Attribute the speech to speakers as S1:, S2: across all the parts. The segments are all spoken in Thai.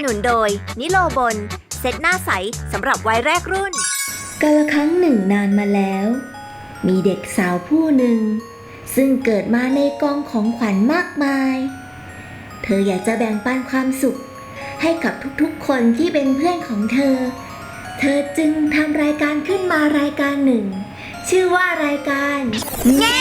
S1: นุนโดยนิโลบนเซ็ตหน้าใสสำหรับวัยแรกรุ่น
S2: กาลครั้งหนึ่งนานมาแล้ว มีเด็กสาวผู้หนึ่งซึ่งเกิดมาในกองของขวัญมากมาย เธออยากจะแบ่งปันความสุขให้กับทุกๆคนที่เป็นเพื่อนของเธอ เธอจึงทำรายการขึ้นมารายการหนึ่งชื่อว่ารายการแง่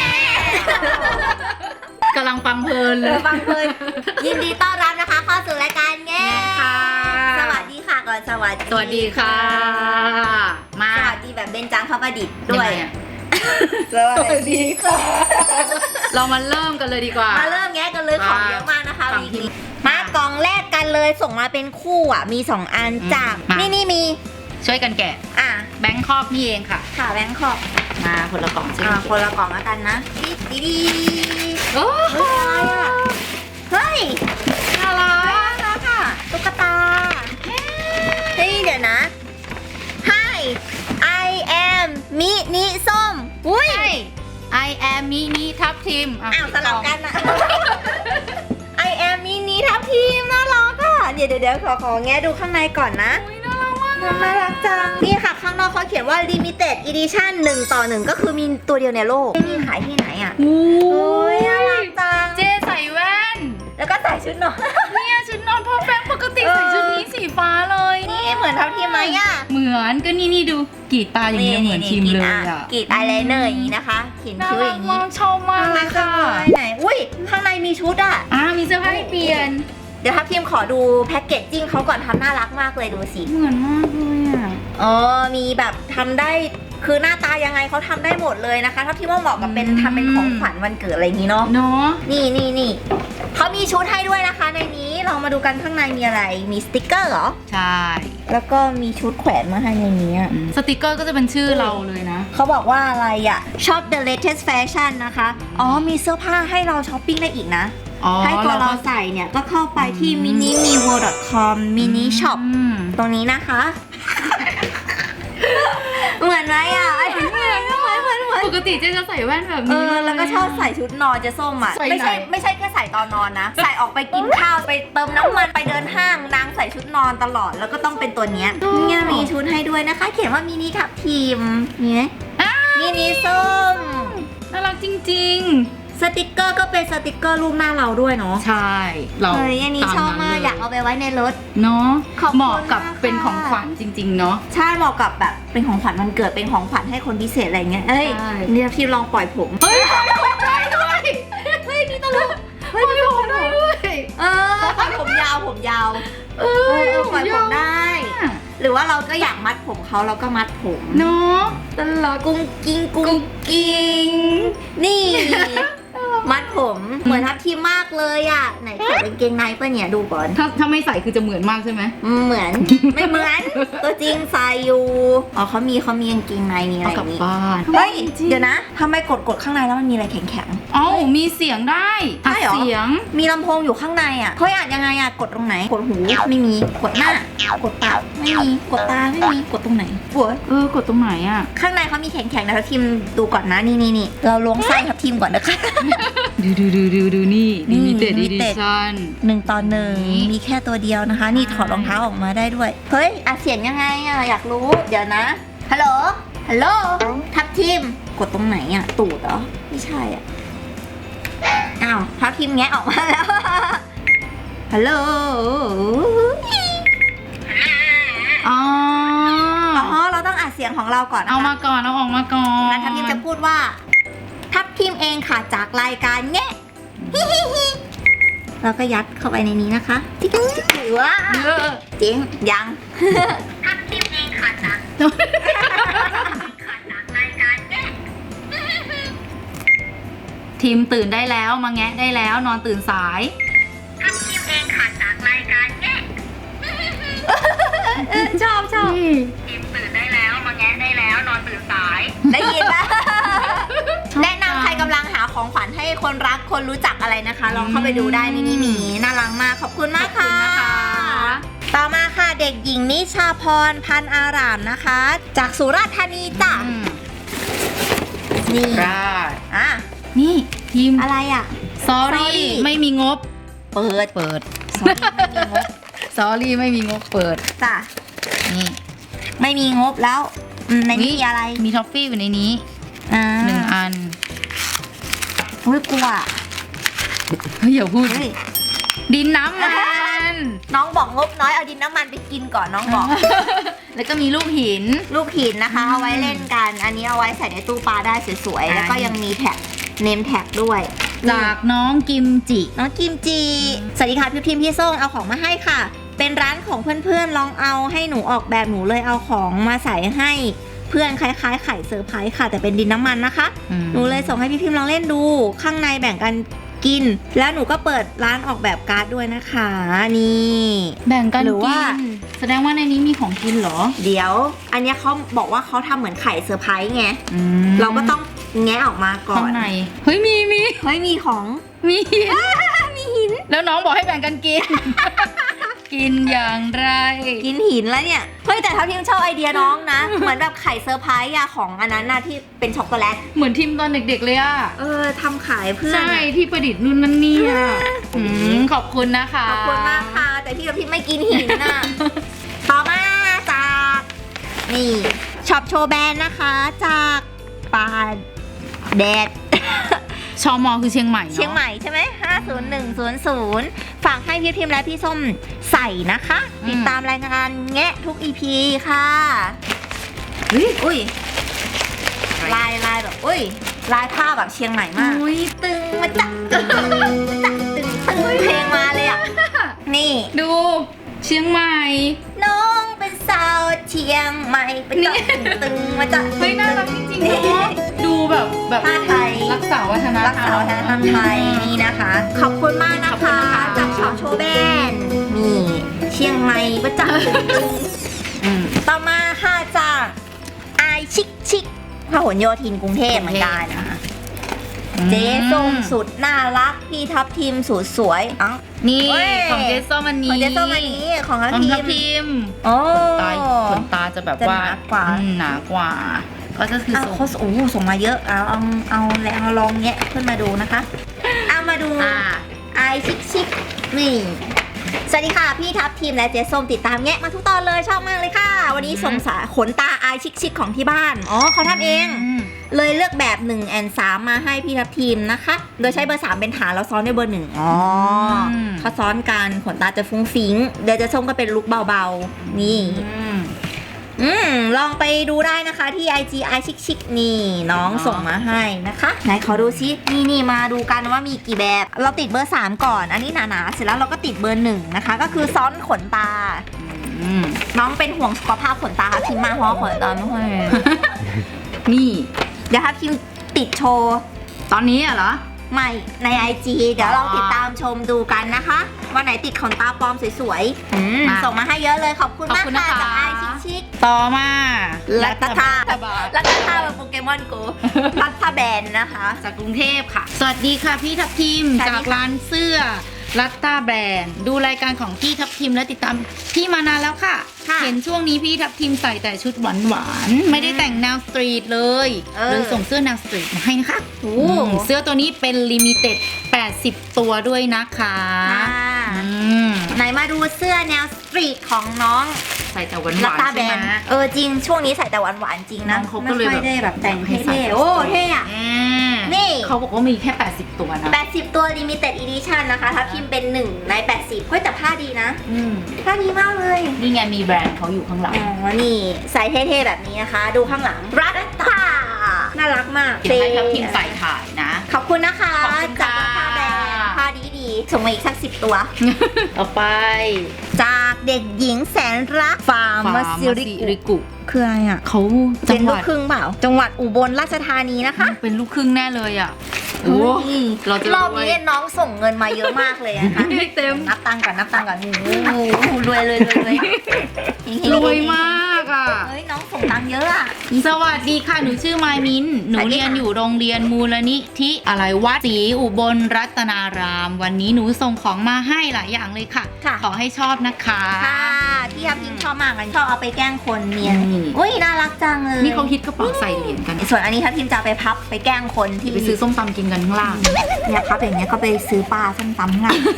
S3: กำลังฟังเพลินเลย
S1: ฟังเพลินยินดีต้อนรับนะคะเข้าสู่รายการแง่
S3: ค่ะ
S1: สวัสดีค่ะก่อนสวัสดี
S3: สวัสดีค่ะ มา
S1: สวัสดีแบบเบญจางคประดิษฐ์ด้วย
S3: งไงอะ
S1: สวัสดีค่ะ
S3: เรามาเริ่มกันเลยดีกว่า
S1: มาเริ่มแง่กันเลยของเยอะมากนะคะ
S3: ฝั่ง
S1: วีค
S3: ที่
S1: นี้มากล่องแรกกันเลยส่งมาเป็นคู่อ่ะมี2อันจาก
S3: มานี่
S1: นี่มี
S3: ช่วยกันแกะ
S1: อ่ะ
S3: แบงค์คอกนี่เองค่ะ
S1: ค่ะแบงค์ขอบ
S3: มาคนละกล่องช่วย
S1: อ่ะ
S3: กัน
S1: คนละกล่องแล้วกันนะดีดี
S3: โอ้
S1: เฮ้ยอะไรอ่ะเฮ้ย
S3: น่ารั
S1: น่าก รักค่ะตุ๊กตาเฮ้ยเดี๋ยวนะ Hi I am มินิส้มอุ้ย
S3: ใช่ I am มินิทับทิม
S1: อ้าวสลับกันอะ I am มินิทับทีมน่ารักอ่ะเดี๋ยวขอแงะดูข้างในก่อนนะ
S3: อุ๊ยน่ารักมาก
S1: น่ารักจังนี่ค่ะข้างนอกเขาเขียนว่า limited edition 1/1ก็คือมีตัวเดียวในโลกไม่มีขายที่ไหนอ่ะ
S3: โอ้
S1: โอ้ยน่ารักจัง
S3: เจใส่แว่น
S1: แล้วก็ใส่ชุดนอน
S3: เนี่ยชุดนอนพ่อแบงค์ปกติ
S1: เออ
S3: ใส่ชุดนี้สีฟ้าเลย
S1: นี่เหมือนทับทีมไหมอ่ะ
S3: เหมือนก็นี่ดูกรีดตาอย่างนี้เหมือนทีมเลยอ่ะ
S1: กรีดอายไลเนอร์อย่างนี้นะคะเขียน
S3: น่า
S1: คิ้วอ
S3: รัก
S1: ย่าง
S3: มา
S1: นี้
S3: กชอบมากเลยค่ะ
S1: ไหนอุ้ยข้างในมีชุดอ่ะ
S3: มีเสื้อผ้าให้เปลี่ยน
S1: เดี๋ยวทับทีมขอดูแพ็กเกจจิ้งเขาก่อนทำน่ารักมากเลยดูสิ
S3: เหมือนมากเลยอ่ะ
S1: มีแบบทำได้คือหน้าตายังไงเขาทำได้หมดเลยนะคะทับทีมว่าเหมาะกับเป็นทำเป็นของขวัญวันเกิดอะไรอย่างนี้เนาะ
S3: เนาะ
S1: นี่เขามีชุดให้ด้วยนะคะในนี้เรามาดูกันข้างในมีอะไรมีสติกเกอร์เหรอ
S3: ใช่
S1: แล้วก็มีชุดแขวนมาให้ในนี้อะ
S3: สติกเกอร์ก็จะเป็นชื่อเราเลยนะ
S1: เขาบอกว่าอะไรอะชอบ the latest fashion นะคะมีเสื้อผ้าให้เราช้อปปิ้งได้อีกนะ ให้ตัวเราใส่เนี่ยก็เข้าไปที่ minimiworld.com mini shop ตรงนี้นะคะ เหมือนไหมอ่ะเหมือน
S3: ปกติเจ๊จะใส่แว่นแบบนี้
S1: แล้วก็ชอบใส่ชุดนอนจะส้มอ่ะ
S3: ใส่
S1: ไม่
S3: ไหน
S1: ใช่แค่ใส่ตอนนอนนะ ใส่ออกไปกินข้าวไปเติมน้ำมันไปเดินห้างนางใส่ชุดนอนตลอดแล้วก็ต้องเป็นตัวเนี้ยเนี่ยมีชุดให้ด้วยนะคะ เขียนว่ามินิทับทีมเนี่ยมินิส้ม
S3: น่ารักจริง
S1: สติกเกอร์ก็เป็นสติกเกอร์รูปหน้าเราด้วยเนาะ
S3: ๆ ใช่เรา
S1: เฮ้ยอันนี้ชอบมากอยากเอาไปไว้ในรถ
S3: เนาะ
S1: ขอบคุณ
S3: เหมาะกับ
S1: มากค่ะ
S3: เป็นของขวัญจริงๆเนาะ
S1: ใช่เหมาะกับแบบเป็นของขวัญวันเกิดเป็นของขวัญให้คนพิเศษอะไรเงี้ยเอ้ย
S3: ใช่
S1: เนี่ยพี่ลองปล่อยผม
S3: เฮ้ยปล่อยผมได้ด้วยเฮ้ยนี่ตลกปล่อยผมได้ด้วย
S1: ปล่อยผมยาวปล่อยผมได้ หรือว่าเราก็อยากมัดผมเขาเราก็มัดผม
S3: เนาะตลก
S1: กุ้งกิ้งนี่ มัดผมเหมือนทับทีมมากเลยอ่ะไหนใส่กางเกงในป่ะเนี่ยดูก่อน
S3: ถ้าไม่ใส่คือจะเหมือนมากใช่ไหม
S1: เหมือน ไม่เหมือนตัวจริงใส่อยู่เขามีกางเกงในมีอะไร
S3: เอา
S1: อก
S3: ลับ
S1: ย่างนี้
S3: บ้าน
S1: เฮ้ยเดี๋ยวนะทำไมกดข้างในแล้วมันมีอะไรแข็ง
S3: เอ้ามีเสียงได้
S1: ใช่เหรอ
S3: เสียง
S1: ๆมีลำโพงอยู่ข้างในอ่ะเขาอ่านยังไงอ่ะกดตรงไหนกดหูไม่มีกดหน้ากดปากไม่มีกดตาไม่มีกดตรงไหนปวด
S3: กดตรงไหนอ่ะ
S1: ข้างในเขามีแข็งๆนะทัพทีมดูก่อนนะนี่เราล้วงไส้ทัพทีมก่อนนะคะ
S3: ดูนี่
S1: นี่
S3: limited
S1: limited
S3: edition
S1: 1/1มีแค่ตัวเดียวนะคะ นี่ถอดรองเท้าออกมาได้ด้วย เฮ้ยอัดเสียงยังไงอ่ะอยากรู้เดี๋ยวนะฮัลโหลทัพทีมกดตรงไหนอ่ะตูดเหรอไม่ใช่อ่ะอ้าวทัพทีมแงะออกมาแล้ว ฮัลโหล
S3: อ๋อ
S1: เราต้องอัดเสียงของเราก่อนนะคะ
S3: เอามาก่อน เอาออกมาก่อน
S1: งั้นทัพทีมจะพูดว่า ทัพทีมเองค่ะจากรายการแง่ เราก็ยัดเข้าไปในนี้นะคะจิ๊กหรือว่าจริงยัง ทัพทีมเองค่ะจากรายการแง่
S3: ทีมตื่นได้แล้วมาแงะได้แล้วนอนตื่นสาย
S1: ทัพทีมเองค่ะจากรายการแง่ ชอบทีมตื่นได้แล้วมาแงะได้แล้วนอนตื่นสายได้ยินปะ แนะนำใครกำลังหาของขวัญให้คนรักคนรู้จักอะไรนะคะ ลองเข้าไปดูได้มินิหมีน่ารักมากขอบคุณมากค่ะ ต่อมาค่ะเด็กหญิงนิชาพรพันธ์อารามนะคะ จากสุราษฎร์ธานีจ้ะนี่
S3: ราด
S1: อ่ะ
S3: นี่ทีม
S1: อะไรอ่ะ
S3: sorry
S1: Sorry
S3: ไม่มีงบ
S1: เปิด
S3: เปิด
S1: sorry ไม่มีงบ
S3: sorry ไม่มีงบเปิด
S1: จ้ะ
S3: นี่
S1: ไม่มีงบแล้วในนี้มีอะไร
S3: มีท็อฟฟี่อยู่ในนี้ 1 อัน
S1: อุ้ยกลัว
S3: เฮ้ยอย่าพูด
S1: เฮ้ย
S3: ดินน้ำมัน
S1: น้องบอกงบน้อยเอาดินน้ำมันไปกินก่อนน้องบอก
S3: แล้วก็มีลูกหิน
S1: ลูกหินนะคะ เอาไว้เล่นกัน อันนี้เอาไว้ใส่ในตู้ปลาได้สวยๆ แล้วก็ยังมีแท็กเนมแท็กด้วย
S3: จากน้องกิมจิ
S1: น้องกิมจีสวัสดีค่ะพี่พิมพี่ส้มเอาของมาให้ค่ะ เป็นร้านของเพื่อนๆลองเอาให้หนูออกแบบหนูเลยเอาของมาใส่ให้เพื่อนคล้ายๆไข่เซอร์ไพรส์ค่ะ แต่เป็นดินน้ำมันนะคะ หนูเลยส่งให้พี่พิมลองเล่นดู ข้างในแบ่งกันกิน แล้วหนูก็เปิดร้านออกแบบการ์ดด้วยนะคะนี่
S3: แบ่งกัน
S1: หรือว่า
S3: กินแสดงว่าในนี้มีของกินเหรอ
S1: เดี๋ยว อันเนี้ยเขาบอกว่าเขาทำเหมือนไข่เซอร์ไพรส์ไง เราก็ต้องแงะออกมาก่อ
S3: ข้าน งในเฮ้ยมี
S1: เฮ้ยมีของ
S3: มีหิน
S1: มีหิน
S3: แล้วน้องบอกให้แบ่งกันกิน กินอย่างไร
S1: กินหินแล้วเนี่ย เฮ้ยแต่ทัพทิมชอบไอเดียน้องนะ เหมือนแบบไข่เซอร์ไพรส์อะของอันนั้นนะที่เป็นช็อกโกแลต
S3: เหมือนทิมตอนเด็กๆเลยอะ
S1: ทำขายเพื่อน
S3: ใช่
S1: อะ
S3: ที่ประดิษฐ์นู่นนั่นนี่อะขอบคุณนะคะ
S1: ขอบคุณมากค่ะ แต่พี่ทัพทิมไม่กินหินน่ะ ต่อมาจากนี่ช็อปโชว์แบรนด์นะคะจากปาแดด
S3: ชมคือเชียงใหม่เนอะ
S1: เชียงใหม่ใช่ไหม50100ฝากให้พี่พิมพ์และพี่ส้มใส่นะคะ ติดตามรายงานแงะทุก EP ค่ะอุ้ยลายแบบอุ้ยลายผ้าแบบเชียงใหม่มาก
S3: อุ้ย
S1: ตึงมาจักตึงเพลงมาเลยอ่ะ นี่
S3: ดูเชียงใหม่
S1: น้องเป็นสาวเชียงใหม่ไปจักตึงมาจัก
S3: เฮ้ยน่ารักจริงๆเนาะดูแบบ
S1: ผ้าไทย
S3: รักษาวัฒน
S1: รัก
S3: ธร
S1: ษาร วัฒนธรรมไทยนี่นะคะ ขอบคุณมากนะ
S3: ขอบคุณ
S1: คะ
S3: นะคะ
S1: จากช็อปโชว์แบรนด์นี่เชียงใหม่ประจักษ์ ต่อมาค่ะจากไอชิคพหลโยธินกรุงเทพเหมือนกันนะคะเจ๊ส้มสุดน่ารักพี่ทับทิมสุดสวยอ๋อ
S3: นี่
S1: เว้ย
S3: ของเจสโซมัน
S1: ข
S3: นี้
S1: องเจ๊ส้มอันนี้ของทับ
S3: ของ
S1: ทิ
S3: ทับ
S1: ม
S3: ทิม
S1: โอ้
S3: ขนตาจะแบบ
S1: จะ
S3: ว่า
S1: หนากว่า
S3: หนากว่าก็จะคือ
S1: อ้าว
S3: ส่ง
S1: เขาส่งมาเยอะเอาแล้วลองแงะขึ้นมาดูนะคะเอามาดู ไอชิคนี่สวัสดีค่ะพี่ทับทีมและเจ๊ส้มติดตามแงะมาทุกตอนเลยชอบมากเลยค่ะ วันนี้ส่งสาขนตาไอชิคของที่บ้านอ๋อเขาทำเอง เลยเลือกแบบ1แอน3มาให้พี่ทับทีมนะคะ โดยใช้เบอร์ 3 เป็นฐานแล้วซ้อนด้วยเบอร์ 1อ๋อเขาซ้อนกันขนตาจะฟุ้งฟิ้งเดี๋ยวเจ๊ส้มก็เป็นลุคเบาๆนี่ลองไปดูได้นะคะที่ IG i ชิคนี่น้องส่งมาให้นะคะไหนขอดูซินี่มาดูกันว่ามีกี่แบบ เราติดเบอร์ 3 ก่อน อันนี้หนาๆเสร็จแล้วเราก็ติดเบอร์ 1นะคะก็คือซ้อนขนตาน้องเป็นห่วงสุขภาพขนตาค่ะพิมพ์มาเพราะขนตาไม่ค่อย
S3: นี่
S1: เดี๋ยวถ้าพิมพ์ติดโชว์
S3: ตอนนี้อะเหรอ
S1: ไม่ใน IG เดี๋ยวลองติดตามชมดูกันนะคะวันไหนติดขนตาปลอมสวยๆส่งมาให้เยอะเลยขอบคุณมากค่ะจากไอชิค
S3: ต่อมา
S1: รัตตา
S3: บาล
S1: แล้วก็ท่าแบบโปเกมอนโกรัตตาแบนนะคะ
S3: จากกรุงเทพค่ะ สวัสดีค่ะพี่ทับทิม
S1: สวัสดีค่ะ
S3: จากร้านเสื้อรัตตาแบรนด์ดูรายการของพี่ทับทิมและติดตามพี่มานานแล้วค่ะ เห็นช่วงนี้พี่ทับทิมใส่แต่ชุดหวานๆไม่ได้แต่งแนวสตรีทเลยเลยส่งเสื้อแนวสตรีทมาให้นะคะเสื้อตัวนี้เป็นลิมิเต็ด80 ตัวด้วยนะคะ
S1: ไหนมาดูเสื้อแนวสตรีทของน้อง
S3: ใส่แต่หวาน
S1: รัตตา
S3: ๆ
S1: แบ
S3: ใช่
S1: น
S3: ไหม
S1: จริงช่วงนี้ใส่แต่หวานๆจริงนะ
S3: น้องเขาก็เลย
S1: ไม่ค่อยได้แบบแต่ง
S3: ให้ใส่
S1: เท่ๆโอ้เท่อะ นี่
S3: เขาบอกว่ามีแค่80 ตัวนะ
S1: 80 ตัว limited edition นะคะถ้าพิมพ์เป็น1ใน80เฮ้ยแต่ผ้าดีนะผ้าดีมากเลย
S3: นี่ไงมีแบรนด์เขาอยู่ข้างหลัง
S1: อ๋อนี่ใส่เท่ๆแบบนี้นะคะ ดูข้างหลังรัตตาน่ารักมาก
S3: เดี๋ยวให้ทับทิมใส่ถ่ายนะ
S1: ขอบคุณนะคะ
S3: ขอบคุณ
S1: จาก
S3: ค่ะ
S1: ผ้าแบรนด์ผ้าดีๆส่งมาอีกสัก10 ตัว
S3: ต่อไป
S1: จากเด็กหญิงแสนรักฟาร์มซิริกุคืออะไรอ่ะ
S3: เขา
S1: เป็นลูกครึ่งเปล่า จังหวัดอุบลราชธานีนะคะ
S3: เป็นลูกครึ่งแน่เลยอ่ะ
S1: โอ้ย
S3: เราจะ
S1: รอบนี้น้องส่งเงินมาเยอะมากเลยนะคะ
S3: ให้เต็ม
S1: นับตังค์ก่อนโอ้โหรวยเลย
S3: รวยมากอ่ะ
S1: เฮ้ยน้องส่งตังค์เยอะอ่ะ
S3: สวัสดีค่ะ หนูชื่อมายมิน หนูเรียนอยู่โรงเรียนมูลนิธิอะไรวัดศรีอุบลรัตนาราม วันนี้หนูส่งของมาให้หลายอย่างเลยค่ะ
S1: ค่ะ
S3: ขอให้ชอบนะคะ
S1: ค่ะพี่ทับทิมชอบมากเลยชอบเอาไปแกล้งคนเนียน
S3: นี่
S1: อุ้ยน่ารักจังเลย
S3: นี่เขาฮิตกระเป๋าใส่เหรียญกัน
S1: ส่วนอันนี้ทับทิมจะเอาไปพับไปแกล้งคนที่
S3: ไปซื้อส้มตำกินกันข้างล่าง
S1: เนี่ยพับอย่างเงี้ยก็ไปซื้อปลาส้มตำข้างหลัง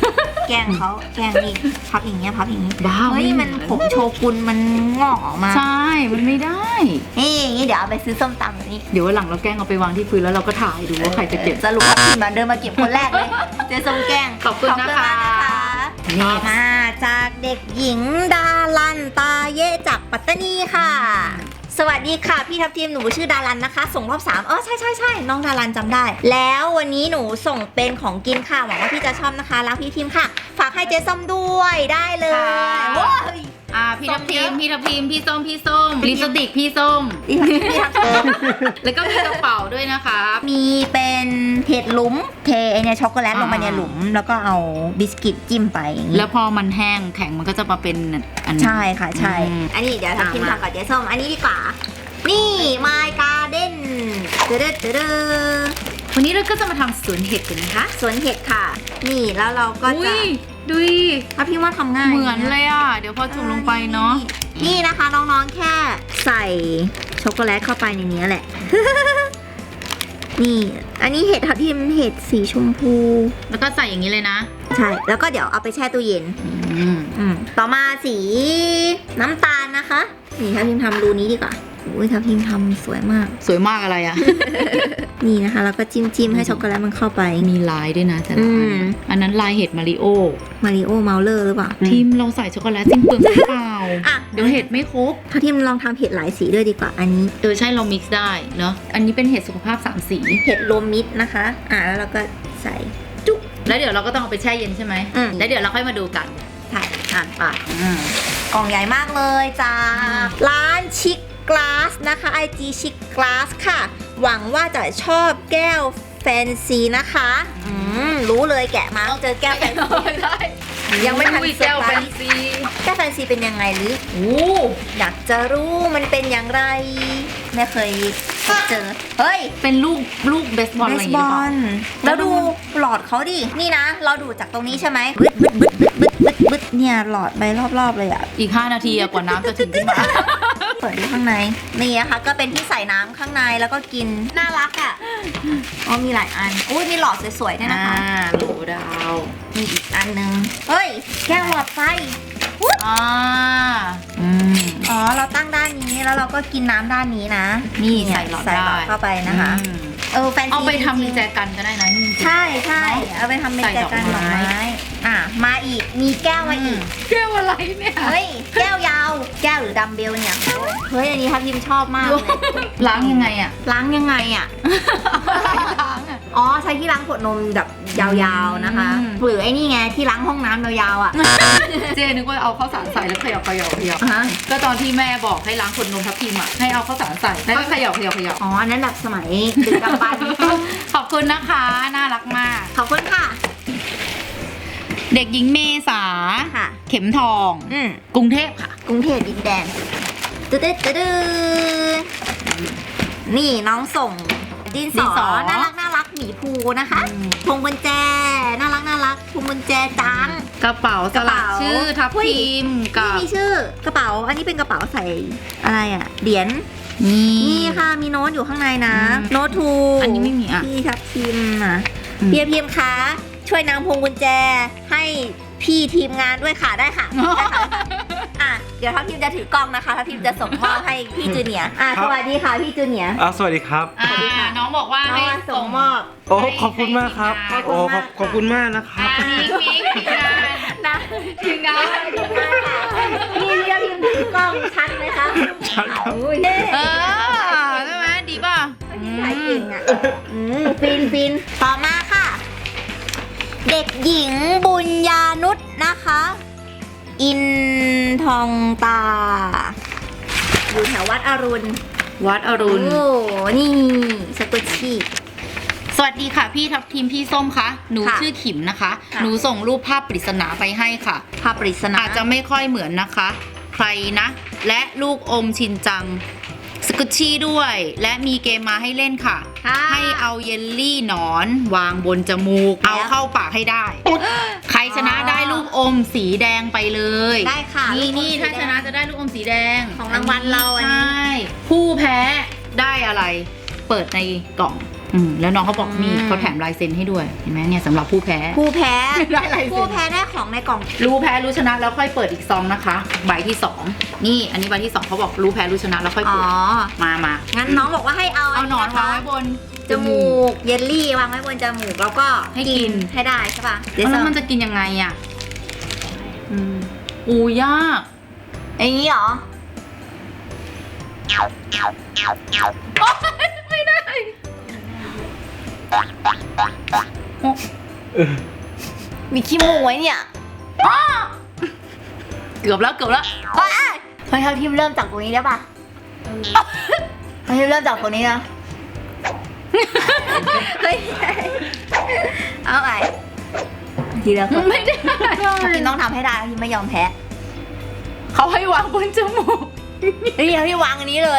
S1: แกล้งเขาแกล้งนี่พับอย่างเงี้ยพับอย่างงี้
S3: บ้า
S1: เฮ้ยมันผมโชกุนมันงอกออกมา
S3: ใช่มันไม่ได้
S1: นี่อย่างงี้เดี๋ยวเอาไปซื้อส้มตำแบบนี้
S3: เดี๋ยววันหลังเราแกล้งเอาไปวางที่พื้นแล้วเราก็ถ่ายดูว่าใครจะเก็บ
S1: สรุปว่าทีมเดินมาเก็บคนแรกเลยเจ๊ส้มแกล้ง
S3: ขอบคุณนะคะ
S1: ต่อมาจากเด็กหญิงดารันตาเย่จากปัตตานีค่ะ สวัสดีค่ะพี่ทัพทีมหนูชื่อดารันนะคะ ส่งรอบ3ใช่น้องดารันจำได้ แล้ววันนี้หนูส่งเป็นของกินค่ะหวังว่าพี่จะชอบนะคะรักพี่ทีมค่ะ ฝากให้เจ๊ส้มด้วยได้เลย
S3: ค่ะ
S1: โว้ย
S3: พี่ทัพทีมพี่ทัพทีมพี่ส้มลิปสติกพี่ส้ม
S1: พี่ทัพทีม
S3: แล้วก็มีกระเป๋าด้วยนะคะ
S1: มีเป็นเห็ดหลุมเทไอเนี่ยช็อกโกแลตลงไปในหลุม แล้วก็เอาบิสกิตจิ้มไปอย่างนี้
S3: แล้วพอมันแห้งแข็งมันก็จะมาเป็นอัน
S1: ใช่ค่ะใช่
S3: อืม
S1: อันนี้เดี๋ยวทัพทิม
S3: มา
S1: ทำกับเจ๊ส้มอันนี้ดีกว่า นี่ My Garden เด้อเด้อ
S3: วันนี้เราก็จะมาทำสวนเห็ดกันนะคะ
S1: สวนเห็ดค่ะ นี่แล้วเราก็
S3: อุ้
S1: จะ
S3: ยดูดิ
S1: ถ้าพี่ว่าทำง่าย
S3: เหมือนเลยอ่ะ เดี๋ยวพอจุ่มลงไปเนาะ
S1: นี่นะคะน้องๆแค่ใส่ช็อกโกแลตเข้าไปในนี้แหละ นี่ อันนี้เห็ดทับทิมเห็ดสีชมพู
S3: แล้วก็ใส่อย่างนี้เลยนะ
S1: ใช่ แล้วก็เดี๋ยวเอาไปแช่ตู้เย็น ต่อมาสีน้ำตาลนะคะ นี่ทัพทิมทำรูนี้ดีกว่าอุ้ยทัพทิมทำสวยมาก
S3: สวยมากอะไรอ่ะ
S1: นี่นะคะแล้วก็จิ้มให้ช็อกโกแลตมันเข้าไป
S3: มีลายด้วยนะแต่ละอันนั้นลายเห็ดมาริโอ
S1: มาริโอเมาเลอร์หรือเปล่า
S3: ทีมเราใส่ช็อกโกแลตจริงเปลืองหรือเปล่า
S1: อ่ะ
S3: เดี๋ยวเห็ดไม่ครบ
S1: ทัพทิมลองทำเห็ดหลายสีด้วยดีกว่า อันนี้
S3: ใช่เรามิกซ์ได้เนาะ อันนี้เป็นเห็ดสุขภาพ3 สี
S1: เห็ดรวมมิตรนะคะแล้วเราก็ใส่
S3: แล้วเดี๋ยวเราก็ต้องเอาไปแช่เย็นใช่ไหม แล้วเดี๋ยวเราค่อยมาดูกัน
S1: ใช่ไปกล่องใหญ่มากเลยจ้าร้านชิคกลาสนะคะ IG ชิคกลาสค่ะ หวังว่าจะชอบแก้วแฟนซีนะคะรู้เลยแกะมาต้องเจอแก้วแฟนซียังไม่ทัน
S3: อุ้ย
S1: เซอ
S3: แก้ว
S1: ร์ไพ
S3: แฟ
S1: ร
S3: น
S1: ส์
S3: ซี
S1: แก้วแฟนซีเป็นยังไงหรือ
S3: โอ้
S1: อยากจะรู้มันเป็นอย่างไรไม่เคยพบเจอ เฮ้ย
S3: เป็นลูกเบสบอลอะไรอย่างเงี้ยหรือเปล่า
S1: แล้วดูหลอดเขาดิ นี่นะ เราดูจากตรงนี้ใช่ไหมบึดเนี่ยหลอดไปรอบๆเลยอ่ะ
S3: อีก5 นาทีอะกว่าน้ำจะถึงขึ้นมา
S1: เปิดดูข้างใน นี่นะคะก็เป็นที่ใส่น้ำข้างในแล้วก็กิน น่ารักอ่ะมีหลายอันอุ้ยมีหลอดสวยๆด้วยนะคะ
S3: โหลดาว
S1: มีอีกอันนึง เฮ้ย แก้วหลอดไฟ เราตั้งด้านนี้แล้วเราก็กินน้ำด้านนี้นะ
S3: นี่ใส่หลอด
S1: ใส่หลอด
S3: ได้
S1: เข้าไปนะคะ แฟนซี
S3: เอาไปทำ
S1: จ
S3: มี
S1: ริงๆ
S3: แจกันก็ได้นะนี่
S1: ใช่เอาไปทำเป็นแจกันดอกไม้มาอีก มีแก้วมาอีก
S3: แก้วอะไรเนี่ย
S1: เฮ้ย แก้วยาว แก้วหรือดัมเบลเนี่ย เฮ้ย อันนี้ทัพทิมชอบมากเลย
S3: ล้างยังไงอะ
S1: ล้างยังไงอ่ะ
S3: ล้างอะ
S1: ใช้ที่ล้างขวดนมแบบยาวๆนะคะ หรือไอ้นี่ไงที่ล้างห้องน้ำยาวๆอ่ะ
S3: เจนึกว่าเอาข้าวสารใส่แล้วเขย่า
S1: ฮะ
S3: ก็ตอนที่แม่บอกให้ล้างขวดนมทับทิมอะให้เอาข้าวสารใส่แล้วก็เขย่า
S1: อันนั้นแบบสมัยดึกดำบรรพ์
S3: ขอบคุณนะคะ น่ารักมาก
S1: ขอบคุณค่ะ
S3: เด็กหญิงเมษา
S1: ค่ะ
S3: เข็มทอง
S1: อืม
S3: กรุงเทพค่ะ
S1: กรุงเทพดินแดนตึ๊ดนี่น้องส่งดินสอน่ารักหมีภูนะคะพวงกุญแจน่ารักพวงกุญแจจัง
S3: กระเป๋าสลักชื่อทับทิมกั
S1: นี่
S3: บ
S1: มีชื่อกระเป๋าอันนี้เป็นกระเป๋าใส่อะไรอ่ะเหรียญ
S3: นี่
S1: นี่ค่ะมีโน้ตอยู่ข้างในนะ โน้ตทู
S3: อันนี้ไม่มีอ่ะ
S1: พี่ทับทิมพี่ทับทิมคะช่วยนำพวงกุญแจให้พี่ทีมงานด้วยค่ะได้ค่ะเดี๋ยวทัพทิมจะถือกล้องนะคะทัพทิมจะส่งมอบให้พี่จูเนียร์สวัสดีค่ะพี่จูเนียร์
S4: สวัสดีครับ
S3: น้องบอกว่าให้
S1: ส่งมอบ
S4: โอ้ขอบคุณมากครับ โอ้ขอบคุณมากนะครับ
S3: มิกทีมงาน
S1: นะ
S3: ทีมงาน
S1: พี่ทัพทิมถือกล้องชัดไหมคะ
S4: ชัดครับ
S1: อุ้ย
S3: ใช่ไหมดีป่ะ
S1: ถ่ายเก่งอ่ะฟินต่อมาค่ะ เด็กหญิงบุญญานุชนะคะ อินทองตา อยู่แถววัดอรุณ
S3: วัดอรุณ
S1: โอ้นี่สกุชชี่
S3: สวัสดีค่ะพี่ทับทิมพี่ส้มคะหนู
S1: ค่ะ
S3: ชื่อขิมนะคะ
S1: ค่ะ
S3: หนูส่งรูปภาพปริศนาไปให้ค่ะ
S1: ภาพปริศนา
S3: อาจจะไม่ค่อยเหมือนนะคะ ใครนะ และลูกอมชินจังสกุชชี่ด้วย และมีเกมมาให้เล่นค่ะ ให้เอาเยลลี่หนอนวางบนจมูก เอาเข้าปากให้ได้ ใครชนะได้ลูกอมสีแดงไปเลย
S1: ได้ค่ะ
S3: นี่
S1: ลูกอมสี
S3: ถ้า
S1: แดง
S3: ชนะจะได้ลูกอมสีแดง
S1: ของรางวัลเราอันนี้
S3: ใช่ผู้แพ้ได้อะไร เปิดในกล่องแล้วน้องเขาบอกนี่เขาแถมลายเซ็นให้ด้วยเห็นไหมเนี่ยสำหรับผู้แพ้
S1: ผู้แพ้
S3: ได้ลายเซ็น
S1: ผู้แพ้ได้ของในกล่อง
S3: รู้แพ้รู้ชนะแล้วค่อยเปิดอีกซองนะคะใบที่ 2นี่อันนี้ใบที่ 2เขาบอกรู้แพ้รู้ชนะแล้วค่อย
S1: อ๋
S3: เปิ
S1: อ
S3: ดมา
S1: งั้นน้องบอกว่าให้เอา
S3: เอาหนอน
S1: ะคะ
S3: วางไว้บน
S1: จมูกเยลลี่วางไว้บนจมูกแล้วก็
S3: ให้กิน
S1: ให้ได้ใช่ป่ะ
S3: แล้วมันจะกินยังไงอ่ะอู้ยาก
S1: อย่างนี้เหรอ
S3: ไม่ได้
S1: มีขี้มูกไว้เนี่ย
S3: เกือบแล้ว
S1: เฮ้ยเท่าทีมเริ่มจากตรงนี้ได้ป่ะเท่าทีมเริ่มจากตรงนี้นะเฮ้ยเอาไงทีละคน
S3: ไม่ได้
S1: ทีมต้องทำให้ได้ทีมไม่ยอมแพ้
S3: เขาให้วางบนจมูก
S1: เฮ้ยพี่วางอันนี้เลย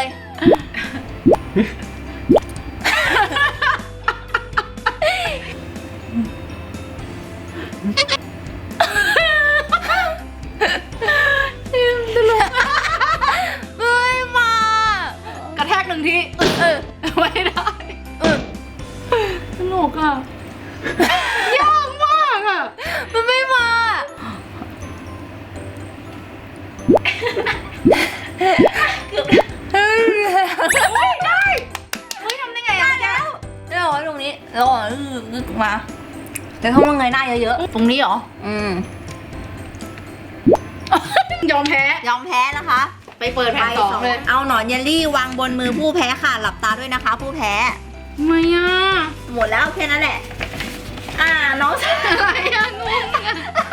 S1: เฮ้ยมาก
S3: ระแทกหนึ่งทีไม่ได้ตลกอ่ะยากมากอ่ะ
S1: มันไม่มาไม่ได้เฮ้ยทำได้ไงได้แล้วเอาไว้ตรงนี้แล้วมาแต่ถ้ามันเงยหน้าเยอะ
S3: ตรงนี้เหรอ ยอมแพ้
S1: ๆยอมแพ้นะคะ
S3: ไปเปิดแผ่นสองเลย
S1: เอาหนอนเยลลี่วางบนมือผู้แพ้ค่ะหลับตาด้วยนะคะ ผู้แพ้
S3: ทำไมอ่ะ
S1: หมดแล้วแค่นั้นแหละน้อง
S3: อะไรอ่ะงงอ่ะ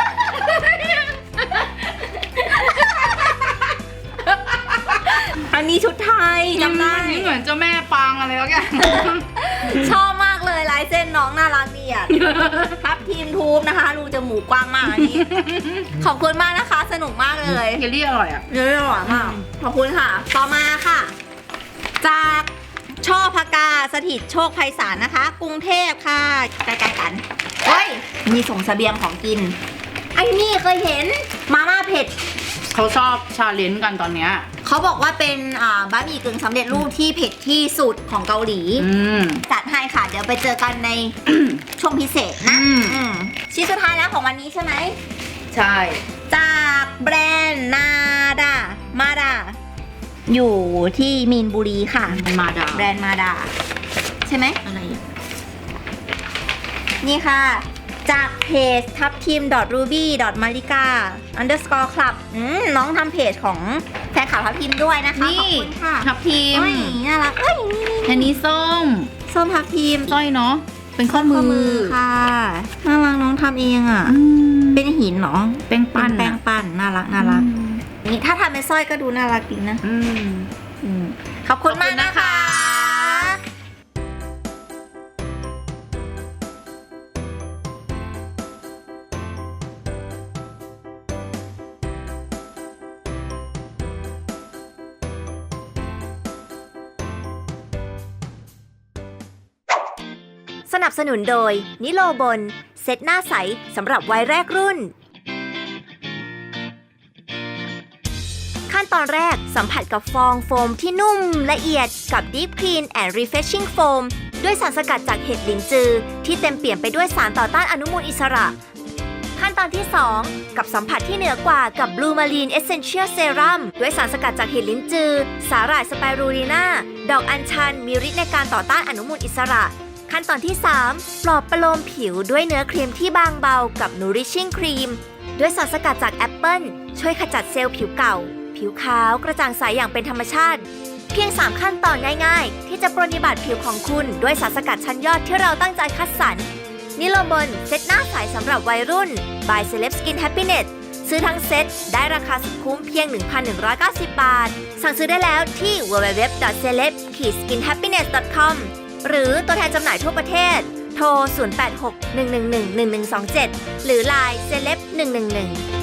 S1: อันนี้ชุดไทยจำได้
S3: อันนี้เหมือนเจ้าแม่ปางอะไรแล้วกัน
S1: ชอบมากเลยลายเส้นน้องน่ารักดีอ่ะทับทีมทูบนะคะรูจมูกกว้างมากอันนี้ขอบคุณมากนะคะสนุกมากเลย
S3: เยลลี่อร่อยอ่ะ
S1: เยอะหวานมากขอบคุณค่ะ ต่อมาค่ะ จากช่อพกาสถิตโชคไพศาลนะคะ กรุงเทพค่ะใกล้ๆกันเฮ้ยมีส่งเสบียงของกินไอ้นี่เคยเห็นมาม่าเผ็ด
S3: เขาชอบชาเลนจ์กันตอนเนี้ย
S1: เขาบอกว่าเป็นบะหมี่กึ่งสำเร็จรูปที่เผ็ดที่สุดของเกาหลี จัดให้ค่ะ เดี๋ยวไปเจอกันใน ช่วงพิเศษนะ ชิ้นสุดท้ายแล้วของวันนี้ใช่ไหม
S3: ใช่
S1: จากแบรนด์นาดามาดาอยู่ที่มีนบุรีค่ะ
S3: มาดา
S1: แบรนด์มาดาใช่ไหม
S3: อะไรอ่ะ
S1: นี่ค่ะ จากเพจทับทีม ruby malika _ club น้องทำเพจของแฟนคลับทับทีมด้วยนะคะขอบคุณค่ะ
S3: ทับทิม
S1: เฮ้ยน่ารักเอ้ยนี่
S3: อันนี้ส้ม
S1: ส้มทับทีม
S3: สร้อยเนาะเป็นข้อมือ
S1: ค่ะน่ารักน้องทำเองอ่ะ เป็นหินเหรอ
S3: แป้งปั้น
S1: แป้งปั้นน่ารักนี่ถ้าทำเป็นสร้อยก็ดูน่ารักดีนะขอบคุณมากนะคะ
S2: สนับสนุนโดยนิโลบนเซตหน้าใสสำหรับวัยแรกรุ่น ขั้นตอนแรกสัมผัสกับฟองโฟมที่นุ่มละเอียดกับ Deep Clean and Refreshing Foam ด้วยสารสกัดจากเห็ดหลินจือที่เต็มเปี่ยมไปด้วยสารต่อต้านอนุมูลอิสระ ขั้นตอนที่ 2 กับสัมผัสที่เหนือกว่ากับ Blue Marine Essential Serum ด้วยสารสกัดจากเห็ดลิ้นจือสาหร่ายสไปรูลีนาดอกอัญชันมีฤทธิ์ในการต่อต้านอนุมูลอิสระขั้นตอนที่ 3 ปลอบประโลมผิวด้วยเนื้อครีมที่บางเบากับ Nourishing Cream ด้วยสารสกัดจากแอปเปิลช่วยขจัดเซลล์ผิวเก่าผิวขาวกระจ่างใสอย่างเป็นธรรมชาติเพียง 3 ขั้นตอนง่ายๆที่จะปรนนิบัติผิวของคุณด้วยสารสกัดชั้นยอดที่เราตั้งใจคัดสรรนิโลบนเซตหน้าใสสำหรับวัยรุ่น by Celeb Skin Happiness ซื้อทั้งเซตได้ราคาสุดคุ้มเพียง 1,190 บาทสั่งซื้อได้แล้วที่ www.celeb-skinhappiness.com หรือตัวแทนจำหน่ายทั่วประเทศโทร 086-111-1127 หรือ Line Celeb 111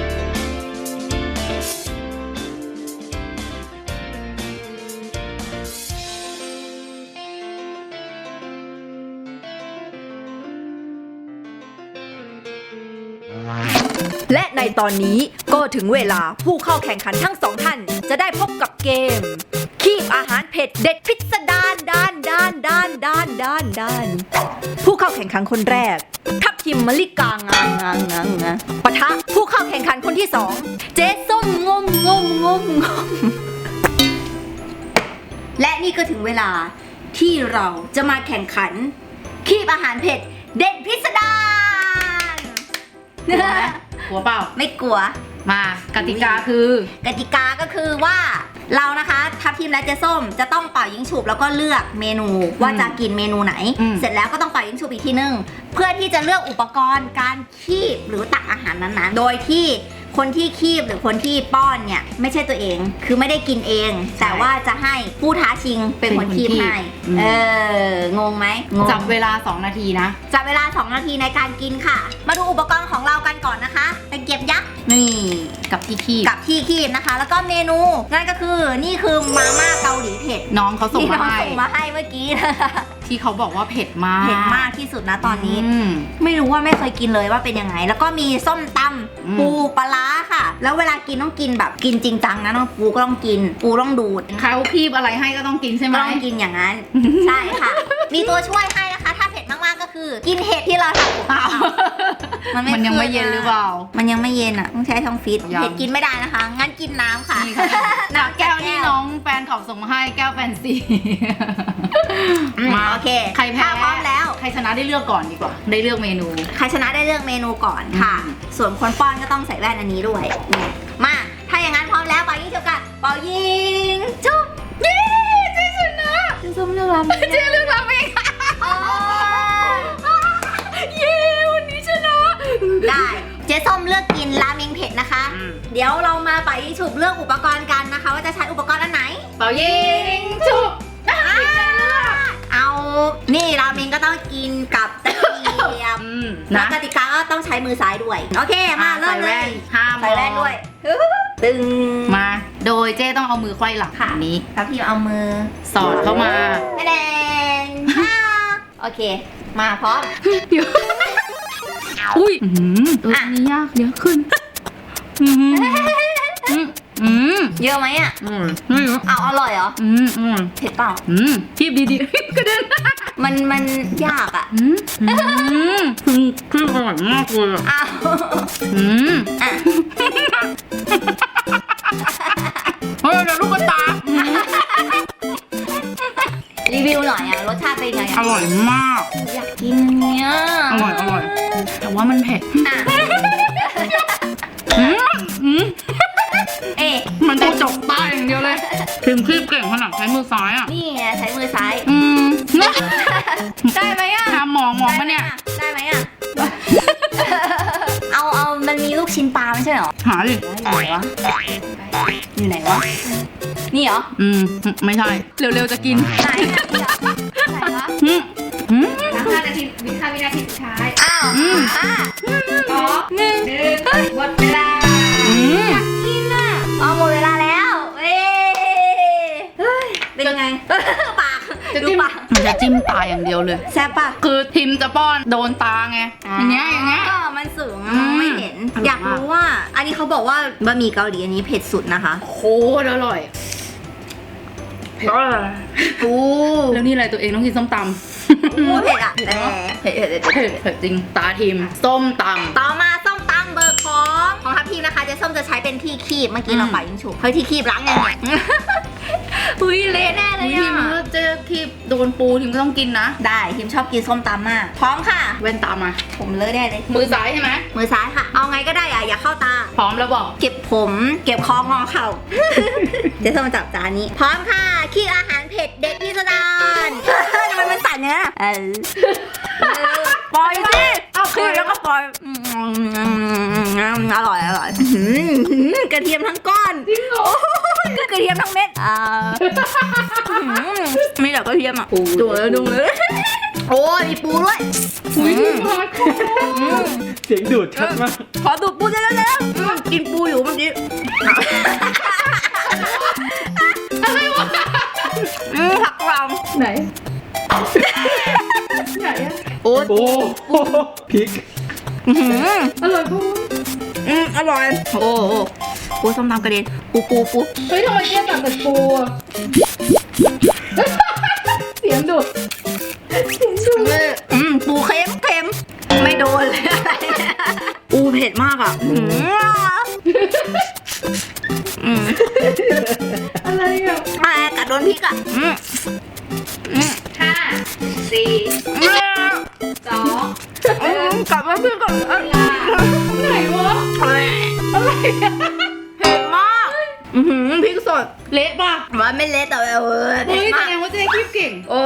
S2: และในตอนนี้ก็ถึงเวลาผู้เข้าแข่งขันทั้งสองท่านจะได้พบกับเกมคีบอาหารเผ็ดเด็ดพิสดาร
S1: ผู้เข้าแข่งขันคนแรก ทัพทิมมะลิกางปะทะผู้เข้าแข่งขันคนที่สองเจ๊ส้มงม และนี่ก็ถึงเวลาที่เราจะมาแข่งขันคีบอาหารเผ็ดเด็ดพิสดาร
S3: กลัวเปล่า
S1: ไม่กลัว
S3: มากติกาคือ
S1: กติกาก็คือว่าเรานะคะทัพทีมและเจ๊ส้มจะต้องเป่ายิงฉุบแล้วก็เลือกเมนูว่าจะกินเมนูไหน เสร็จแล้วก็ต้องเป่ายิงฉุบอีกทีนึงเพื่อที่จะเลือกอุปกรณ์การคีบหรือตักอาหารนั้นๆโดยที่คนที่คีบหรือคนที่ป้อนเนี่ยไม่ใช่ตัวเองคือไม่ได้กินเอง แต่ว่าจะให้ผู้ท้าชิงเป็นคนคีบให้งงไหมงง
S3: จับเวลา2 นาทีนะ
S1: จับเวลา2 นาทีในการกินค่ะ มาดูอุปกรณ์ของเรากันก่อนนะคะตะเกียบยักษ์นี่
S3: กับที่คีบ
S1: กับที่คีบนะคะ แล้วก็เมนูนั่นก็คือนี่คือมาม่าเกาหลีเผ็ด
S3: น้องเขาส่ง
S1: ที่
S3: มา
S1: น้อง
S3: ให้
S1: ส่งมาให้เมื่อกี้นะคะ
S3: ที่เขาบอกว่าเผ็ดมาก
S1: เผ็ดมากที่สุดนะตอนนี้
S3: ม
S1: ไม่รู้ว่าไม่เคยกินเลยว่าเป็นยังไง แล้วก็มีส้มตำปูปลาร้าค่ะ แล้วเวลากินต้องกินแบบกินจริงจังนะน้องปูก็ต้องกิน ปูต้องดูด
S3: เขาคีบอะไรให้ก็ต้องกินใช่ไหม
S1: ก็ต้องกินอย่างนั้น ใช่ค่ะ มีตัวช่วยให้นะคะ ถ้าเผ็ดมากๆก็คือ กินเห็ดที่เราทำกับข้าว
S3: มันยังไม่เย็นหรือเปล่า
S1: มันยังไม่เย็นอ่ะต้องใช้ท้องฟิต
S3: ยัง
S1: เผ็ดกินไม่ได้นะคะ งั้นกินน้ำค่ะ
S3: นี่ค่ะจากแก้วที่น้องแฟนขับส่งมาให้แก้วแฟนซี
S1: โอเค
S3: ใครแพ้
S1: ถ้าพร้อมแล้ว
S3: ใครชนะได้เลือกก่อนดีกว่า ได้เลือกเมนู
S1: ใครชนะได้เลือกเมนูก่อนค่ะ ส่วนคนป้อนก็ต้องใส่แว่นอันนี้ด้วยนี่มาถ้าอย่างนั้นพร้อมแล้วเป่ายิงฉุบกันเป่ายิงจุ๊บเย้เจ๊ชนะเจ๊ส้มเลือกราเมง
S3: เจ๊เลือกราเมง
S1: เย้วันนี้ชนะได้เจ๊ส้มเลือกกินราเมงเผ็ดนะคะ เดี๋ยวเรามาเป่ายิงฉุบเลือกอุปกรณ์กันนะคะ ว่าจะใช้อุปกรณ์อันไหน
S3: เป่ายิงฉุบ
S1: เอานี่ราเมงก็ต้องกินกับตะเกียบ แล้
S3: นะ
S1: วกติกาก็ต้องใช้มือซ้ายด้วย โอเค มาเริ่ม
S3: ใส่
S1: เล
S3: แว่
S1: ย
S3: นห้าม
S1: ใส่แว่นด้วย ตึง
S3: มา โดยเจ๊ต้องเอามือไขว้หลัง
S1: ค่ะ
S3: อันนี้
S1: แล้วพี่เอามือ
S3: สอดเข้ามา
S1: ไม่แดงโอเค มาพร้อม
S3: อุ้ยตัวนี้ยากเดี๋ยวขึ้น
S1: เยอะไหมอ่ะ
S3: ไม่รู้
S1: เอาอร่อยเหรอ เผ็ดเปล่า
S3: คีบดีๆกระเด็น
S1: มันยากอ่ะ
S3: คืออร่อยมากเลยอ่ะ
S1: อ้าวอ่ะ
S3: เฮ้ยเดี๋ยวลูกกระตา
S1: รีวิวหน่อยอ่ะ รสชาติเป็นไง
S3: อ
S1: อ่ะ
S3: ร่อยมาก
S1: อยากกินเนี่ย
S3: อร่อย แต่ว่ามันเผ็ด
S1: อ่ะเอ๊ะ
S3: มันจะจกตาอย่างเดียวเลยพิมพ์คีบเก่งขนาดใช้มือซ้ายอ่ะ
S1: นี่ไงใช้มือซ้าย ได้ไหมอ่ะ
S3: ทำหมองปะเนี่ย
S1: ได้ไหมอ่ะ เอามันมีลูกชิ้นปลาไม่ใช่เหรอ
S3: หาดิ
S1: อยู่ไหนวะ นี่เหรอ
S3: ไม่ใช่ เร็วๆจะกิน
S1: ไหนอ่ะไหนวะ
S5: 5 นาทีวินาทีสุดท้าย
S1: อ้าว1
S5: หมดเวลา
S1: กินอ่ะอ๋อหมดเวลาแล้วเว้ยเป็นยังไง ปาก ดูปาก
S3: มันจะจิ้มตาอย่างเดียวเลย
S1: แซ่บปะ
S3: คือทิมจะป้อนโดนตาไง อย่างเงี้ย
S1: ก็มันสูงอะมองไม่เห็น อยากรู้ว่า อันนี้เขาบอกว่าบะหมี่เกาหลีอันนี้เผ็ดสุดนะคะ
S3: โคตรอร่อย
S1: โอ้
S3: แล้วนี่อะไรตัวเองต้องกินส้มตำ
S1: เผ็ดอ่ะแต่เผ็ด
S3: เผ็ดจริง ตาทิม ส้มต
S1: ต่อมาส้มตำเบอร์ของทัพทีมนะคะเจ๊ส้มจะใช้เป็นที่คีบเมื่อกี้เราป่ายิงฉุบเฮ้ยที่คีบล้างยังเนี่ย อุ้ยเละแน่
S3: ำ
S1: เลย
S3: ทิม
S1: อ่ะ
S3: ก็เจ๊คีบโดนปูทิมก็ต้องกินนะ
S1: ได้ทีมชอบกินส้มตำมาก พร้อมค่ะ
S3: แว่นตามา
S1: ผมเลอะได้เลย
S3: มือซ้ายใช่ไหม
S1: มือซ้ายค่ะ เอาไงก็ได้อ่ะอย่าเข้าตา
S3: พร้อมแล้วบอก
S1: เก็บผม เก็บคองอเข่า เจ๊ส้มจับจานนี้ พร้อมค่ะคีบอาหารเผ็ดเด็ดพิสดาร ทำไมมันสั่นเนี่ยปล่อยสิเอาคืนแล้วก็ปล่อยอร่อยกระเทียมทั้งก้อนจริงเหรอกระเทียมทั้งเม็ดมีแต่กระเทียมอ่ะดูเลยโอ้ยมีปูด้วย
S4: เสียงดูดชัดมาก
S1: ขอดูดปูเร็วๆกินปูอยู่เมื่อกี้อะไรวะผักรำ
S3: ไหน
S1: โอ้ย
S4: โอ้พริก
S3: อร่อยปู
S1: อร่อยโอ้โหปูส้มตำกระเด็นปู
S3: เฮ้ยทำไมเจ๊ตัดแต่ปูอะเสียงดุด
S5: ห้าสี่สอง
S1: กลับมาเพื่อนก่อน
S5: เวลา
S3: ไหนวะ
S1: เผ็ดมากพริกสด
S3: เละป่ะ
S1: ว่าไม่เละแต่แบบเผ็
S3: เฮ้
S1: ด
S3: ยแส
S1: มาก
S3: ดงว่าเจ๊คีบเก่ง
S1: โอ้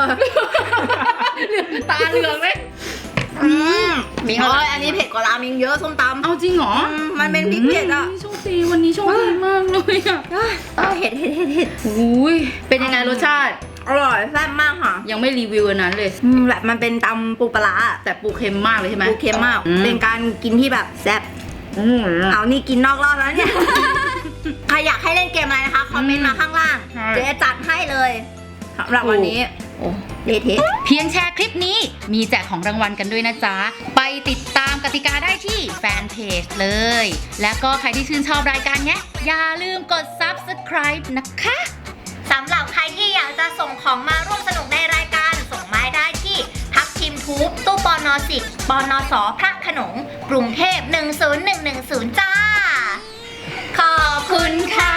S3: ตาเหลืองเลย
S1: มีอันนี้เผ็ดกว่าราเมงเยอะส้มตำ
S3: เอาจริงเหรอ
S1: มันเป็นพริกเผ็ดอ่ะ
S3: โชคดีวันนี้โชคดีมากเลยอ่ะ
S1: เผ็ดเผ็ดเผ็ดเผ็ด
S3: อุ้ยเป็นยังไงรสชาติ
S1: อร่อยแซ่บมากค่ะ
S3: ยังไม่รีวิวอันนั้นเลย
S1: แบบมันเป็นตำปูปลาร้า
S3: แต่ปูเค็มมากเลยใช่ไหม
S1: ปูเค็มมาก
S3: อืม
S1: เป็นการกินที่แบบแซ่บ
S3: อืม
S1: เอานี่กินนอกรอบแล้วเนี่ย ใครอยากให้เล่นเกมอะไรนะคะ คอมเมนต์มาข้างล่าง
S3: ใช่
S1: เจ๊จัดให้เลยสำหรับวันนี้ โอ้เละเทะ
S3: เพียงแชร์คลิปนี้มีแจกของรางวัลกันด้วยนะจ๊ะ ไปติดตามกติกาได้ที่แฟนเพจเลย แล้วก็ใครที่ชื่นชอบรายการเนี้ยอย่าลืมกด subscribe นะคะ
S1: สำหรับใครที่อยากจะส่งของมาร่วมสนุกในรายการส่งมาได้ที่ทับทิมทูบตู้ปน10ปนสพระโขนงกรุงเทพ10110 จ้า ขอบคุณค่ะ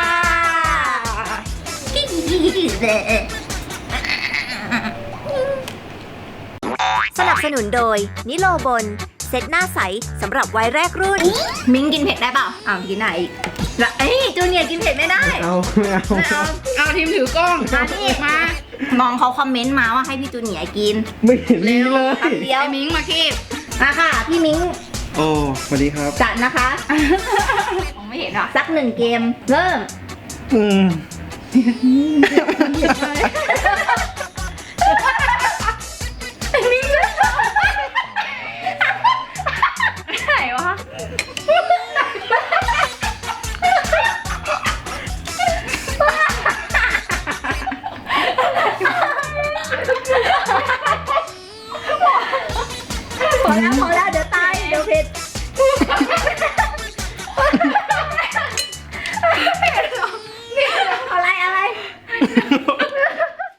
S1: สนับสนุนโดยนิโลบนเซตหน้าใสสำหรับวัยแรกรุ่น มิ้งกินเผ็ดได้เปล่าอ้าวกินไหนแล้วจูเนียร์กินเผ็ดไม่ได้
S4: เอาไม่เอา
S1: ไม่เอา
S3: เอาทีมถือกล้อง
S1: อันนี้
S3: มา
S1: น้องเขาคอมเมนต์มาว่าให้พี่จูเนียร์กิน
S4: ไม่เห็นมีเลย
S1: แป๊บเดียว
S3: ไอ้มิงมาคีบ
S1: มาค่ะ พี่มิ้ง
S4: โอ้สวัสดีครับ
S1: จัดนะคะ
S5: ผมไม่เห็นอ่ะ
S1: สักหนึ่งเกม เริ่ม
S4: อืม
S5: ไหนวะ
S1: พอแล้วพอ